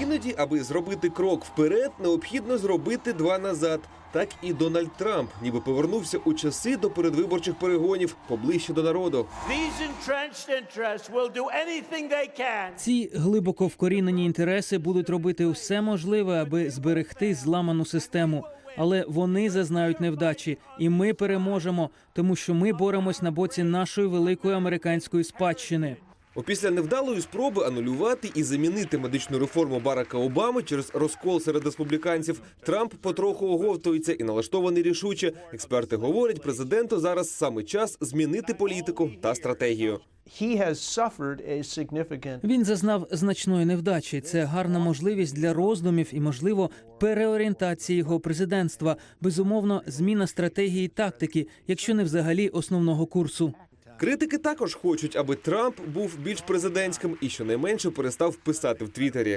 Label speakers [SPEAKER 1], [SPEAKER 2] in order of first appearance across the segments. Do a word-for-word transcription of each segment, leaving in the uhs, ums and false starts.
[SPEAKER 1] Іноді, аби зробити крок вперед, необхідно зробити два назад. Так і Дональд Трамп ніби повернувся у часи до передвиборчих перегонів, поближче до народу.
[SPEAKER 2] Ці глибоко вкорінені інтереси будуть робити все можливе, аби зберегти зламану систему. Але вони зазнають невдачі, і ми переможемо, тому що ми боремось на боці нашої великої американської спадщини.
[SPEAKER 1] Опісля невдалої спроби анулювати і замінити медичну реформу Барака Обами через розкол серед республіканців, Трамп потроху оговтується і налаштований рішуче. Експерти говорять, президенту зараз саме час змінити політику та стратегію.
[SPEAKER 2] Він зазнав значної невдачі. Це гарна можливість для роздумів і, можливо, переорієнтації його президентства. Безумовно, зміна стратегії і тактики, якщо не взагалі основного курсу.
[SPEAKER 1] Критики також хочуть, аби Трамп був більш президентським і щонайменше перестав писати в Твіттері.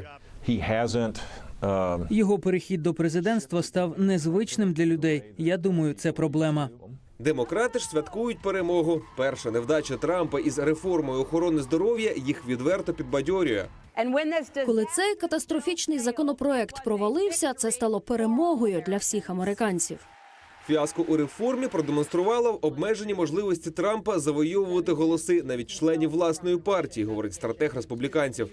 [SPEAKER 2] Його перехід до президентства став незвичним для людей. Я думаю, це проблема.
[SPEAKER 1] Демократи ж святкують перемогу. Перша невдача Трампа із реформою охорони здоров'я їх відверто підбадьорює.
[SPEAKER 3] Коли цей катастрофічний законопроект провалився, це стало перемогою для всіх американців.
[SPEAKER 1] Фіаско у реформі продемонструвало обмежені можливості Трампа завойовувати голоси навіть членів власної партії, говорить стратег республіканців.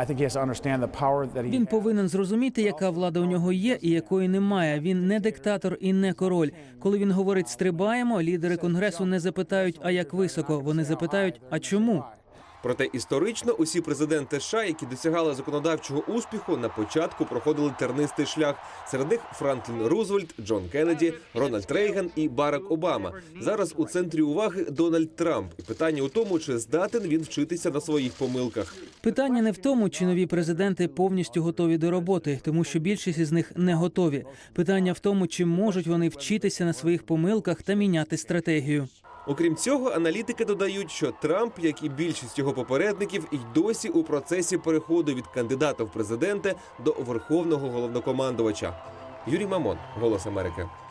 [SPEAKER 2] Він повинен зрозуміти, яка влада у нього є і якої немає. Він не диктатор і не король. Коли він говорить «стрибаємо», лідери Конгресу не запитають «а як високо?», вони запитають «а чому?».
[SPEAKER 1] Проте історично усі президенти США, які досягали законодавчого успіху, на початку проходили тернистий шлях. Серед них Франклін Рузвельт, Джон Кеннеді, Рональд Рейган і Барак Обама. Зараз у центрі уваги Дональд Трамп. І питання у тому, чи здатен він вчитися на своїх помилках.
[SPEAKER 2] Питання не в тому, чи нові президенти повністю готові до роботи, тому що більшість із них не готові. Питання в тому, чи можуть вони вчитися на своїх помилках та міняти стратегію.
[SPEAKER 1] Окрім цього, аналітики додають, що Трамп, як і більшість його попередників, і досі у процесі переходу від кандидата в президенти до верховного головнокомандувача. Юрій Мамон, «Голос Америки».